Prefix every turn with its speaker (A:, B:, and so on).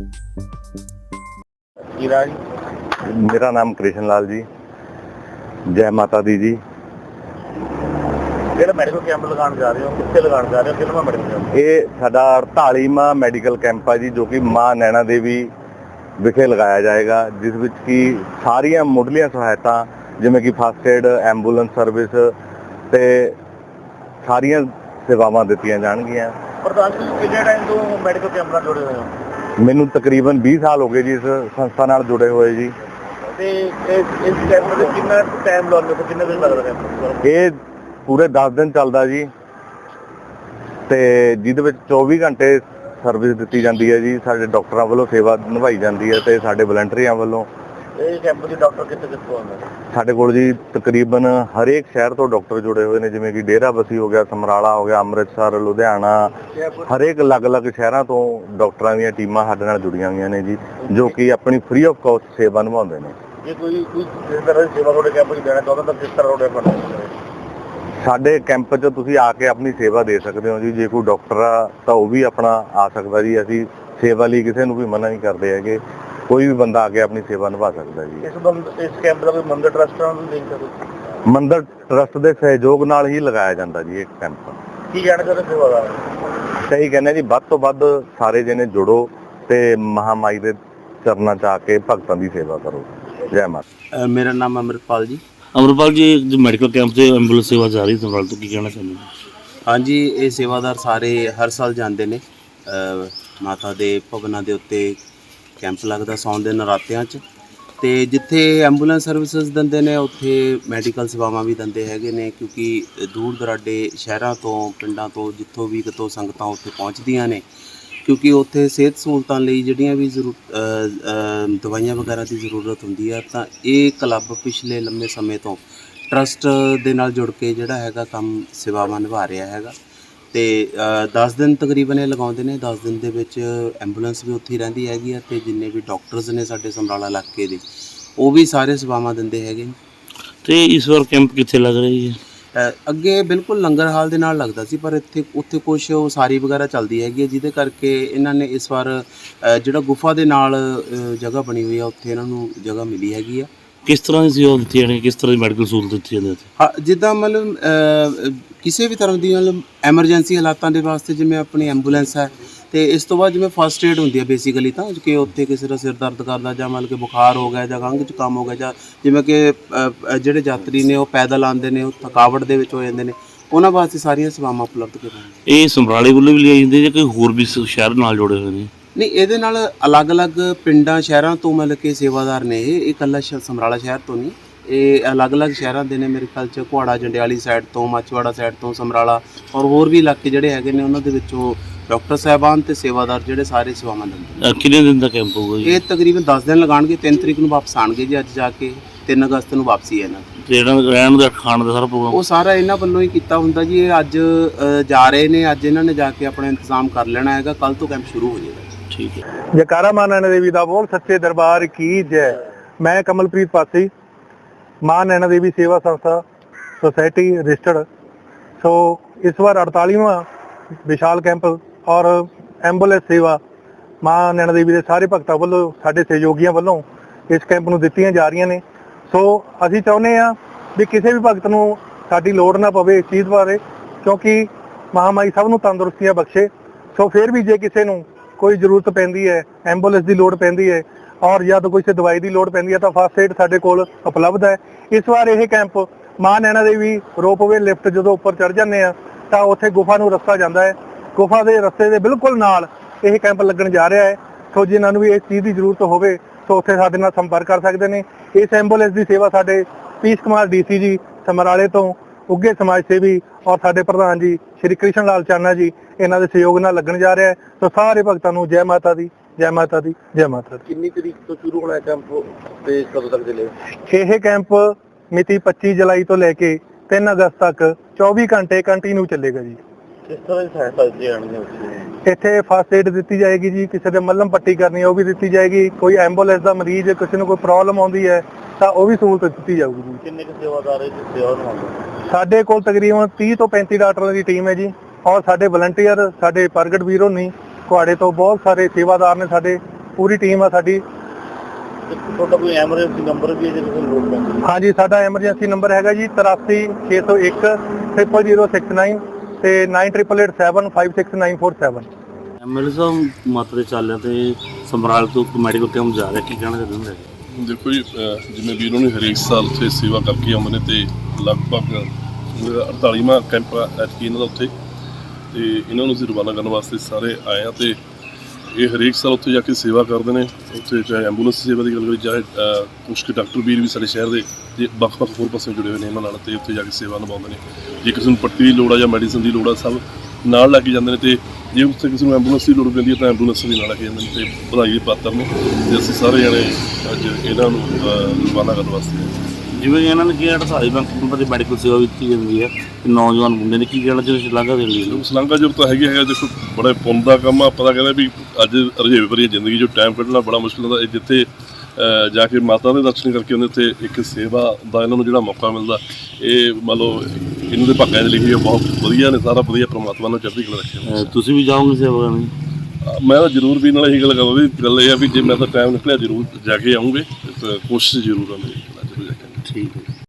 A: मेरा नाम कृष्ण लाल जी। जय माता दी जी।
B: ਮੈਡੀਕਲ ਕੈਂਪ ਲਗਾਉਣ ਜਾ ਰਹੇ ਹੋ, ਕਿੱਥੇ ਲਗਾਉਣ ਜਾ ਰਹੇ ਹੋ, ਕਿਹੜਾ ਮੈਡੀਕਲ ਕੈਂਪ?
A: ਇਹ ਸਾਡਾ 48ਵਾਂ ਮੈਡੀਕਲ ਕੈਂਪ ਆ ਜੀ, ਜੋ ਕਿ ਮਾਂ ਨੈਣਾ ਦੇਵੀ ਵਿਖੇ ਲਗਾਇਆ ਜਾਏਗਾ, ਜਿਸ ਵਿੱਚ ਕਿ ਸਾਰੀਆਂ ਮੁੱਢਲੀਆਂ ਸਹਾਇਤਾ ਜਿਵੇਂ ਕਿ ਫਸਟ ਏਡ, ਐਂਬੂਲੈਂਸ ਸਰਵਿਸ ਤੇ ਸਾਰੀਆਂ ਸੇਵਾਵਾਂ ਦਿੱਤੀਆਂ ਜਾਣਗੀਆਂ।
B: ਪ੍ਰਧਾਨ ਜੀ, ਕਿੰਨੇ ਟਾਈਮ ਤੋਂ ਮੈਡੀਕਲ ਕੈਂਪ ਨਾਲ ਜੁੜੇ ਹੋਏ ਹੋ?
A: ਮੈਨੂੰ ਤਕਰੀਬਨ 20 ਸਾਲ ਹੋ ਗਏ ਜੀ ਇਸ ਸੰਸਥਾ ਨਾਲ ਜੁੜੇ ਹੋਏ ਜੀ।
B: ਤੇ ਇਸ ਕੈਂਪ ਦੇ ਕਿੰਨਾ ਟਾਈਮ ਲਾਉਂਦੇ ਹੋ, ਕਿੰਨੇ ਦਿਨ ਲੱਗਦਾ ਕੈਂਪ?
A: ਇਹ ਪੂਰੇ 10 ਦਿਨ ਚੱਲਦਾ ਜੀ, ਤੇ ਜਿਹਦੇ ਵਿੱਚ 24 ਘੰਟੇ ਸਰਵਿਸ ਦਿੱਤੀ ਜਾਂਦੀ ਹੈ ਜੀ। ਸਾਡੇ ਡਾਕਟਰਾਂ ਵੱਲੋਂ ਸੇਵਾ ਨਿਭਾਈ ਜਾਂਦੀ ਹੈ ਤੇ ਸਾਡੇ ਵਲੰਟੀਅਰਾਂ ਵੱਲੋਂ।
B: ਇਹ ਕੈਂਪ ਦੇ ਡਾਕਟਰ ਕਿੱਥੋਂ ਆਉਂਦੇ ਨੇ?
A: ਸਾਡੇ ਕੋਲ ਜੀ ਤਕਰੀਬਨ ਹਰੇਕ ਸ਼ਹਿਰ ਤੋਂ ਡਾਕਟਰ ਜੁੜੇ ਹੋਏ ਨੇ, ਜਿਵੇਂ ਕਿ ਡੇਰਾਬੱਸੀ ਹੋ ਗਿਆ, ਸਮਰਾਲਾ ਹੋ ਗਿਆ, ਅੰਮ੍ਰਿਤਸਰ, ਲੁਧਿਆਣਾ, ਹਰੇਕ ਅਲੱਗ-ਅਲੱਗ ਸ਼ਹਿਰਾਂ ਤੋਂ ਡਾਕਟਰਾਂ ਦੀਆਂ ਟੀਮਾਂ ਸਾਡੇ ਨਾਲ ਜੁੜੀਆਂ ਹੋਈਆਂ ਨੇ ਜੀ, ਜੋ ਕਿ ਆਪਣੀ ਫ੍ਰੀ ਆਫ ਕਾਸਟ ਸੇਵਾ ਨਿਭਾਉਂਦੇ ਨੇ।
B: ਜੇ ਕੋਈ ਇਸ ਤਰ੍ਹਾਂ ਦੀ ਸੇਵਾ ਤੁਹਾਡੇ ਕੈਂਪ 'ਚ ਦੇਣਾ ਚਾਹੁੰਦਾ ਤਾਂ ਕਿਸ ਤਰ੍ਹਾਂ ਤੁਹਾਡੇ ਬਣਦਾ?
A: ਸਾਡੇ ਕੈਂਪ 'ਚ ਤੁਸੀਂ ਆ ਕੇ ਆਪਣੀ ਸੇਵਾ ਦੇ ਸਕਦੇ ਹੋ ਜੀ। ਜੇ ਕੋਈ ਡਾਕਟਰ ਆ ਤਾਂ ਉਹ ਵੀ ਆਪਣਾ ਆ ਸਕਦਾ ਜੀ। ਅਸੀਂ ਸੇਵਾ ਲਈ ਕਿਸੇ ਨੂੰ ਵੀ ਮਨਾ ਨਹੀਂ ਕਰਦੇ ਹੈਗੇ, ਕੋਈ ਵੀ ਬੰਦਾ ਆ ਕੇ ਆਪਣੀ ਸੇਵਾ ਨਿਭਾ ਸਕਦਾ ਜੀ।
B: ਇਸ ਕੈਂਪ ਦਾ ਕੋਈ ਮੰਦਰ ਟਰਸਟ ਨਾਲ ਲਿੰਕ ਹੈ?
A: ਮੰਦਰ ਟਰਸਟ ਦੇ ਸਹਿਯੋਗ ਨਾਲ ਹੀ ਲਗਾਇਆ ਜਾਂਦਾ ਜੀ ਇਹ ਕੈਂਪ।
B: ਕੀ ਕਹਿਣਾ ਚਾਹੁੰਦੇ ਸੇਵਾਦਾਰ?
A: ਸਹੀ ਕਹਿੰਦੇ ਜੀ, ਵੱਧ ਤੋਂ ਵੱਧ ਸਾਰੇ ਜਣੇ ਜੁੜੋ ਤੇ ਮਹਾਮਾਈ ਦੇ ਚਰਨਾਂ 'ਚ ਆ ਕੇ ਭਗਤਾਂ ਦੀ ਸੇਵਾ ਕਰੋ। ਜੈ ਮਾਤਾ।
C: ਮੇਰਾ ਨਾਮ ਅਮਰਪਾਲ ਜੀ।
D: ਅਮਰਪਾਲ ਜੀ, ਜੋ ਮੈਡੀਕਲ ਕੈਂਪ 'ਤੇ ਐਂਬੂਲੈਂਸ ਸੇਵਾ ਜਾ ਰਹੀ ਸਮਰਾਲ ਤੋਂ, ਕੀ ਕਹਿਣਾ ਚਾਹੁੰਦੇ ਹੋ?
C: ਹਾਂਜੀ, ਇਹ ਸੇਵਾਦਾਰ ਸਾਰੇ ਹਰ ਸਾਲ ਜਾਂਦੇ ਨੇ। ਮਾਤਾ ਦੇ ਭਵਨਾਂ ਦੇ ਉੱਤੇ ਕੈਂਪ ਲੱਗਦਾ ਸਾਉਣ ਦੇ ਨਰਾਤਿਆਂ 'ਚ, ਤੇ ਜਿੱਥੇ ਐਂਬੂਲੈਂਸ ਸਰਵਿਸਿਜ਼ ਦਿੰਦੇ ਨੇ ਉੱਥੇ ਮੈਡੀਕਲ ਸੇਵਾਵਾਂ ਵੀ ਦਿੰਦੇ ਹੈਗੇ ਨੇ, ਕਿਉਂਕਿ ਦੂਰ ਦਰਾਡੇ ਸ਼ਹਿਰਾਂ ਤੋਂ, ਪਿੰਡਾਂ ਤੋਂ, ਜਿੱਥੋਂ ਵੀ ਕਿਤੋਂ ਸੰਗਤਾਂ ਉੱਥੇ ਪਹੁੰਚਦੀਆਂ ਨੇ, ਕਿਉਂਕਿ ਉੱਥੇ ਸਿਹਤ ਸਹੂਲਤਾਂ ਲਈ ਜਿਹੜੀਆਂ ਵੀ ਦਵਾਈਆਂ ਵਗੈਰਾ ਦੀ ਜ਼ਰੂਰਤ ਹੁੰਦੀ ਆ, ਤਾਂ ਇਹ ਕਲੱਬ ਪਿਛਲੇ ਲੰਮੇ ਸਮੇਂ ਤੋਂ ਟਰਸਟ ਦੇ ਨਾਲ ਜੁੜ ਕੇ ਜਿਹੜਾ ਹੈਗਾ ਕੰਮ ਸੇਵਾਵਾਂ ਨਿਭਾ ਰਿਹਾ ਹੈਗਾ। ਤੇ 10 ਦਿਨ ਤਕਰੀਬਨ ਇਹ ਲਗਾਉਂਦੇ ਨੇ। 10 ਦਿਨ ਦੇ ਵਿੱਚ ਐਂਬੂਲੈਂਸ ਵੀ ਉੱਥੇ ਹੀ ਰਹਿੰਦੀ ਹੈਗੀ ਆ, ਤੇ ਜਿੰਨੇ ਵੀ ਡਾਕਟਰਸ ਨੇ ਸਾਡੇ ਸਮਰਾਲਾ ਇਲਾਕੇ ਦੇ, ਉਹ ਵੀ ਸਾਰੇ ਸੇਵਾਵਾਂ ਦਿੰਦੇ ਹੈਗੇ।
D: ਤੇ ਇਸ ਵਾਰ ਕੈਂਪ ਕਿੱਥੇ ਲੱਗ ਰਹੀ ਹੈ?
C: ਅੱਗੇ ਬਿਲਕੁਲ ਲੰਗਰ ਹਾਲ ਦੇ ਨਾਲ ਲੱਗਦਾ ਸੀ, ਪਰ ਉੱਥੇ ਕੁਛ ਉਸਾਰੀ ਵਗੈਰਾ ਚੱਲਦੀ ਹੈਗੀ ਹੈ, ਜਿਹਦੇ ਕਰਕੇ ਇਹਨਾਂ ਨੇ ਇਸ ਵਾਰ ਜਿਹੜਾ ਗੁਫਾ ਦੇ ਨਾਲ ਜਗ੍ਹਾ ਬਣੀ ਹੋਈ ਆ, ਉੱਥੇ ਇਹਨਾਂ ਨੂੰ ਜਗ੍ਹਾ ਮਿਲੀ ਹੈਗੀ ਆ।
D: ਕਿਸ ਤਰ੍ਹਾਂ ਦੀ ਸੇਵਾ ਦਿੱਤੀ ਜਾਣੀ, ਕਿਸ ਤਰ੍ਹਾਂ ਦੀ ਮੈਡੀਕਲ ਸਹੂਲਤ ਦਿੱਤੀ ਜਾਂਦੀ ਹੈ?
C: ਹਾਂ, ਜਿੱਦਾਂ ਮਤਲਬ ਕਿਸੇ ਵੀ ਤਰ੍ਹਾਂ ਦੀ ਮਤਲਬ ਐਮਰਜੈਂਸੀ ਹਾਲਾਤਾਂ ਦੇ ਵਾਸਤੇ ਜਿਵੇਂ ਆਪਣੀ ਐਂਬੂਲੈਂਸ ਹੈ, ਤੇ ਇਸ ਤੋਂ ਬਾਅਦ ਜਿਵੇਂ ਫਸਟ ਏਡ ਹੁੰਦੀ ਹੈ ਬੇਸਿਕਲੀ, ਤਾਂ ਕਿ ਉੱਥੇ ਕਿਸੇ ਦਾ ਸਿਰ ਦਰਦ ਕਰਦਾ ਜਾਂ ਮਤਲਬ ਕਿ ਬੁਖਾਰ ਹੋ ਗਿਆ ਜਾਂ ਖੰਘ ਜ਼ੁਕਾਮ ਹੋ ਗਿਆ, ਜਾਂ ਜਿਵੇਂ ਕਿ ਜਿਹੜੇ ਯਾਤਰੀ ਨੇ ਉਹ ਪੈਦਲ ਆਉਂਦੇ ਨੇ, ਉਹ ਥਕਾਵਟ ਦੇ ਵਿੱਚ ਹੋ ਜਾਂਦੇ ਨੇ, ਉਹਨਾਂ ਵਾਸਤੇ ਸਾਰੀਆਂ ਸੇਵਾਵਾਂ ਉਪਲਬਧ ਕੀਤੀਆਂ।
D: ਇਹ ਸਮਰਾਲੇ ਵੱਲੋਂ ਵੀ ਲਈ ਜਾਂਦੀ ਜਾਂ ਕੋਈ ਹੋਰ ਵੀ ਸ਼ਹਿਰ ਨਾਲ ਜੁੜੇ ਹੋਏ ਨੇ?
C: ਨਹੀਂ, ਇਹਦੇ ਨਾਲ ਅਲੱਗ-ਅਲੱਗ ਪਿੰਡਾਂ ਸ਼ਹਿਰਾਂ ਤੋਂ ਮਤਲਬ ਕਿ ਸੇਵਾਦਾਰ ਨੇ। ਇਹ ਇਕੱਲਾ ਸਮਰਾਲਾ ਸ਼ਹਿਰ ਤੋਂ ਨਹੀਂ, ਇਹ ਅਲੱਗ-ਅਲੱਗ ਸ਼ਹਿਰਾਂ ਦੇ ਨੇ। ਮੇਰੇ ਖਿਆਲ 'ਚ ਕੁਹਾੜਾ ਜੰਡਿਆਲੀ ਸਾਈਡ ਤੋਂ, ਮਾਚੀਵਾੜਾ ਸਾਈਡ ਤੋਂ, ਸਮਰਾਲਾ ਔਰ ਹੋਰ ਵੀ ਇਲਾਕੇ ਜਿਹੜੇ ਹੈਗੇ ਨੇ, ਉਹਨਾਂ ਦੇ ਵਿੱਚੋਂ ਡਾਕਟਰ ਸਾਹਿਬਾਨ ਤੇ ਸੇਵਾਦਾਰ ਜਿਹੜੇ ਸਾਰੇ ਸੇਵਾਵਾਂ ਦਿੰਦੇ ਨੇ।
D: ਕਿੰਨੇ ਦਿਨ ਦਾ ਕੈਂਪ ਹੋਊਗਾ ਜੀ?
C: ਇਹ ਤਕਰੀਬਨ 10 ਦਿਨ ਲਗਾਉਣਗੇ। 3 ਤਰੀਕ ਨੂੰ ਵਾਪਸ ਆਉਣਗੇ ਜੀ, ਅੱਜ ਜਾ ਕੇ 3 ਅਗਸਤ ਨੂੰ ਵਾਪਸੀ ਹੈ ਇਹਨਾਂ ਦੀ।
D: ਤੇ ਜਿਹੜਾ ਰਹਿਣ ਦਾ, ਖਾਣ ਦਾ ਸਾਰਾ ਪ੍ਰੋਗਰਾਮ
C: ਉਹ ਸਾਰਾ ਇਹਨਾਂ ਵੱਲੋਂ ਹੀ ਕੀਤਾ ਹੁੰਦਾ ਜੀ। ਇਹ ਅੱਜ ਜਾ ਰਹੇ ਨੇ, ਅੱਜ ਇਹਨਾਂ ਨੇ ਜਾ ਕੇ ਆਪਣਾ ਇੰਤਜ਼ਾਮ ਕਰ ਲੈਣਾ ਹੈਗਾ, ਕੱਲ੍ਹ ਤੋਂ ਕੈਂਪ ਸ਼ੁਰੂ ਹੋ ਜਾਏਗਾ।
D: ਠੀਕ ਹੈ।
E: ਜੈਕਾਰਾ ਮਾਂ ਨੈਣਾ ਦੇਵੀ ਦਾ ਬੋਲ, ਸੱਚੇ ਦਰਬਾਰ ਕੀ ਜੈ। ਮੈਂ ਕਮਲਪ੍ਰੀਤ ਪਾਸੀ, ਮਾਂ ਨੈਣਾ ਦੇਵੀ ਸੇਵਾ ਸੰਸਥਾ ਸੁਸਾਇਟੀ ਰਜਿਸਟਰਡ। ਸੋ ਇਸ ਵਾਰ 48ਵਾਂ ਵਿਸ਼ਾਲ ਕੈਂਪ ਔਰ ਐਂਬੂਲੈਂਸ ਸੇਵਾ ਮਾਂ ਨੈਣਾ ਦੇਵੀ ਦੇ ਸਾਰੇ ਭਗਤਾਂ ਵੱਲੋਂ, ਸਾਡੇ ਸਹਿਯੋਗੀਆਂ ਵੱਲੋਂ ਇਸ ਕੈਂਪ ਨੂੰ ਦਿੱਤੀਆਂ ਜਾ ਰਹੀਆਂ ਨੇ। ਸੋ ਅਸੀਂ ਚਾਹੁੰਦੇ ਹਾਂ ਵੀ ਕਿਸੇ ਵੀ ਭਗਤ ਨੂੰ ਸਾਡੀ ਲੋੜ ਨਾ ਪਵੇ ਇਸ ਚੀਜ਼ ਬਾਰੇ, ਕਿਉਂਕਿ ਮਹਾਮਾਈ ਸਭ ਨੂੰ ਤੰਦਰੁਸਤੀਆਂ ਬਖਸ਼ੇ। ਸੋ ਫਿਰ ਵੀ ਜੇ ਕਿਸੇ ਨੂੰ ਕੋਈ ਜ਼ਰੂਰਤ ਪੈਂਦੀ ਹੈ, ਐਂਬੂਲੈਂਸ ਦੀ ਲੋੜ ਪੈਂਦੀ ਹੈ ਔਰ ਜਾਂ ਤਾਂ ਕਿਸੇ ਦਵਾਈ ਦੀ ਲੋੜ ਪੈਂਦੀ ਹੈ, ਤਾਂ ਫਸਟ ਏਡ ਸਾਡੇ ਕੋਲ ਉਪਲਬਧ ਹੈ। ਇਸ ਵਾਰ ਇਹ ਕੈਂਪ ਮਾਂ ਨੈਣਾ ਦੇਵੀ ਰੋਪਵੇ ਲਿਫਟ ਜਦੋਂ ਉੱਪਰ ਚੜ੍ਹ ਜਾਂਦੇ ਆ ਤਾਂ ਉੱਥੇ ਗੁਫਾ ਨੂੰ ਰਸਤਾ ਜਾਂਦਾ ਹੈ। ਗੁਫਾ ਦੇ ਰਸਤੇ ਦੇ ਬਿਲਕੁਲ ਨਾਲ ਇਹ ਕੈਂਪ ਲੱਗਣ ਜਾ ਰਿਹਾ ਹੈ। ਸੋ ਜਿਨ੍ਹਾਂ ਨੂੰ ਵੀ ਇਸ ਚੀਜ਼ ਦੀ ਜ਼ਰੂਰਤ ਹੋਵੇ ਸੋ ਉੱਥੇ ਸਾਡੇ ਨਾਲ ਸੰਪਰਕ ਕਰ ਸਕਦੇ ਨੇ। ਇਸ ਐਂਬੂਲੈਂਸ ਦੀ ਸੇਵਾ ਸਾਡੇ ਪੀਸ ਕੁਮਾਰ DC ਜੀ ਸਮਰਾਲੇ ਤੋਂ, ਉੱਘੇ ਸਮਾਜ ਸੇਵੀ ਔਰ ਸਾਡੇ ਪ੍ਰਧਾਨ ਜੀ ਸ਼੍ਰੀ ਕ੍ਰਿਸ਼ਨ ਲਾਲ ਚਾਨਾ ਜੀ, ਇਹਨਾਂ ਦੇ ਸਹਿਯੋਗ ਨਾਲ ਲੱਗਣ ਜਾ ਰਿਹਾ ਹੈ। ਸੋ ਸਾਰੇ ਭਗਤਾਂ ਨੂੰ ਜੈ ਮਾਤਾ ਦੀ, ਜੈ ਮਾਤਾ ਦੀ, ਜੈ ਮਾਤਾ ਦੀ।
B: ਕਿੰਨੀ ਤਰੀਕ ਤੋਂ ਸ਼ੁਰੂ ਹੋਣਾ ਕੈਂਪ ਤੇ ਕਦੋਂ ਤੱਕ ਚੱਲੇਗਾ?
E: ਇਹ ਕੈਂਪ ਮਿਤੀ 25 ਜੁਲਾਈ ਤੋਂ ਲੈ ਕੇ 3 ਅਗਸਤ ਤੱਕ 24 ਘੰਟੇ ਕੰਟੀਨਿਊ ਚੱਲੇਗਾ ਜੀ।
B: ਕਿਸ ਤਰ੍ਹਾਂ ਦੀ ਸਹਾਇਤਾ ਦਿੱਤੀ ਜਾਣੀ ਹੈ?
E: ਇੱਥੇ ਫਸਟ ਏਡ ਦਿੱਤੀ ਜਾਏਗੀ ਜੀ, ਕਿਸੇ ਦੇ ਮੱਲਮ ਪੱਟੀ ਕਰਨੀ ਹੈ ਉਹ ਵੀ ਦਿੱਤੀ ਜਾਏਗੀ। ਕੋਈ ਐਂਬੂਲੈਂਸ ਦਾ ਮਰੀਜ਼, ਕਿਸੇ ਨੂੰ ਕੋਈ ਪ੍ਰੋਬਲਮ ਆਉਂਦੀ ਹੈ ਤਾਂ ਉਹ ਵੀ ਸਹੂਲਤ ਦਿੱਤੀ ਜਾਊਗੀ ਜੀ।
B: ਕਿੰਨੇ ਕੁ ਸੇਵਾਦਾਰ ਇਸ ਸੇਵਾ ਨਿਭਾਉਂਦੇ?
E: ਸਾਡੇ ਕੋਲ ਤਕਰੀਬਨ 30 ਤੋਂ 35 ਡਾਕਟਰਾਂ ਦੀ ਟੀਮ ਹੈ ਜੀ, ਔਰ ਸਾਡੇ ਵਲੰਟੀਅਰ, ਸਾਡੇ ਪ੍ਰਗਟ ਵੀਰ ਹੋਣੀ ਕੁਹਾੜੇ ਤੋਂ ਬਹੁਤ ਸਾਰੇ ਸੇਵਾਦਾਰ ਨੇ ਸਾਡੇ, ਪੂਰੀ ਟੀਮ ਆ ਸਾਡੀ।
B: ਤੁਹਾਡਾ ਕੋਈ ਐਮਰਜੈਂਸੀ ਨੰਬਰ ਵੀ ਹੈ ਜੇ ਕਿਸੇ ਨੂੰ ਲੋੜ ਪੈਂਦੀ ਹੈ?
E: ਹਾਂਜੀ, ਸਾਡਾ ਐਮਰਜੈਂਸੀ ਨੰਬਰ ਹੈਗਾ ਜੀ 83 601 0069 ਤੇ 9887756947।
D: ਐਮਐਲਏ ਸਾਹਿਬ ਮਾਤਾ ਦੇ ਚਾਲਿਆਂ ਤੇ ਸਮਰਾਲ ਤੋਂ ਮੈਡੀਕਲ ਕੈਂਪ ਜਾ ਰਿਹਾ, ਕੀ ਕਹਿਣਾ ਚਾਹੁੰਦੇ ਹੋ?
F: ਦੇਖੋ ਜੀ, ਜਿਵੇਂ ਵੀਰੋਂ ਨੇ ਹਰੇਕ ਸਾਲ ਉੱਥੇ ਸੇਵਾ ਕਰਕੇ ਆਉਂਦੇ ਨੇ ਤੇ ਲਗਭਗ 48ਵਾਂ ਕੈਂਪ ਐਤਕੀ ਇਹਨਾਂ ਦਾ ਉੱਥੇ, ਤੇ ਇਹਨਾਂ ਨੂੰ ਅਸੀਂ ਰਵਾਨਾ ਕਰਨ ਵਾਸਤੇ ਸਾਰੇ ਆਏ ਹਾਂ। ਤੇ ਇਹ ਹਰੇਕ ਸਾਲ ਉੱਥੇ ਜਾ ਕੇ ਸੇਵਾ ਕਰਦੇ ਨੇ। ਉੱਥੇ ਚਾਹੇ ਐਂਬੂਲੈਂਸ ਸੇਵਾ ਦੀ ਗੱਲ ਕਰੀ, ਚਾਹੇ ਕੁਛ ਕੁ ਡਾਕਟਰ ਵੀਰ ਵੀ ਸਾਡੇ ਸ਼ਹਿਰ ਦੇ ਜੇ ਵੱਖ-ਵੱਖ ਹੋਰ ਪਾਸੇ ਜੁੜੇ ਹੋਏ ਨੇ ਇਹਨਾਂ ਨਾਲ, ਤੇ ਉੱਥੇ ਜਾ ਕੇ ਸੇਵਾ ਨਿਭਾਉਂਦੇ ਨੇ। ਜੇ ਕਿਸੇ ਨੂੰ ਪੱਟੀ ਦੀ ਲੋੜ ਆ ਜਾਂ ਮੈਡੀਸਨ ਦੀ ਲੋੜ ਆ, ਸਭ ਨਾਲ ਲੈ ਕੇ ਜਾਂਦੇ ਨੇ। ਤੇ ਜੇ ਉੱਥੇ ਕਿਸੇ ਨੂੰ ਐਂਬੂਲੈਂਸ ਦੀ ਲੋੜ ਪੈਂਦੀ ਹੈ ਤਾਂ ਐਂਬੂਲੈਂਸ ਵੀ ਨਾਲ ਲੈ ਕੇ ਜਾਂਦੇ ਨੇ, ਤੇ ਵਧਾਈ ਦੇ ਪਾਤਰ ਨੇ। ਤੇ ਅਸੀਂ ਸਾਰੇ ਜਣੇ ਅੱਜ ਇਹਨਾਂ ਨੂੰ ਰਵਾਨਾ ਕਰਨ ਵਾਸਤੇ ਆਏ।
D: ਜਿਵੇਂ ਇਹਨਾਂ ਨੇ ਕਿਹਾ 48 ਕੈਂਪਾਂ ਦੀ ਮੈਡੀਕਲ ਸੇਵਾ ਦਿੱਤੀ ਜਾਂਦੀ ਹੈ, ਤੇ ਨੌਜਵਾਨ ਮੁੰਡੇ ਨੇ ਕੀ ਕਹਿਣਾ ਚਾਹੁੰਦੇ ਸ਼ਲਾਘਾ ਦੇਣ ਲਈ?
F: ਸ਼ਲਾਘਾ ਜ਼ਰੂਰ ਤਾਂ ਹੈਗਾ। ਦੇਖੋ, ਬੜੇ ਪੁੰਨ ਦਾ ਕੰਮ ਆ। ਆਪਾਂ ਤਾਂ ਕਹਿੰਦੇ ਵੀ ਅੱਜ ਰੁਝੇਵੇ ਭਰੀ ਜ਼ਿੰਦਗੀ 'ਚੋਂ ਟਾਈਮ ਕੱਢਣਾ ਬੜਾ ਮੁਸ਼ਕਿਲ ਹੁੰਦਾ। ਇਹ ਜਿੱਥੇ ਜਾ ਕੇ ਮਾਤਾ ਦੇ ਦਰਸ਼ਨ ਕਰਕੇ ਉਹਦੇ ਉੱਤੇ ਇੱਕ ਸੇਵਾ ਦਾ ਇਹਨਾਂ ਨੂੰ ਜਿਹੜਾ ਮੌਕਾ ਮਿਲਦਾ, ਇਹ ਮੰਨ ਲਓ ਇਹਨਾਂ ਦੇ ਭਾਗਾਂ 'ਚ ਲਿਖੀ ਬਹੁਤ ਵਧੀਆ ਨੇ। ਸਾਰਾ ਵਧੀਆ ਪ੍ਰਮਾਤਮਾ ਨੂੰ ਚੜ੍ਹਦੀ ਕਲਾ ਰੱਖੇ।
D: ਤੁਸੀਂ ਵੀ ਜਾਓਗੇ ਸੇਵਾ ਕਰਨ?
F: ਮੈਂ ਤਾਂ ਜ਼ਰੂਰ ਵੀ ਨਾਲ ਇਹੀ ਗੱਲ ਕਰਾਂ ਵੀ ਗੱਲ ਇਹ ਆ ਵੀ ਜੇ ਮੈਂ ਤਾਂ ਟਾਈਮ ਨਿਕਲਿਆ ਜ਼ਰੂਰ ਜਾ ਕੇ ਆਉਂਗੇ, ਕੋਸ਼ਿਸ਼ ਜ਼ਰੂਰ ਆ ਮੇਰੀ ਜ਼ਰੂਰ ਜਾ ਕੇ।
D: ਠੀਕ ਹੈ।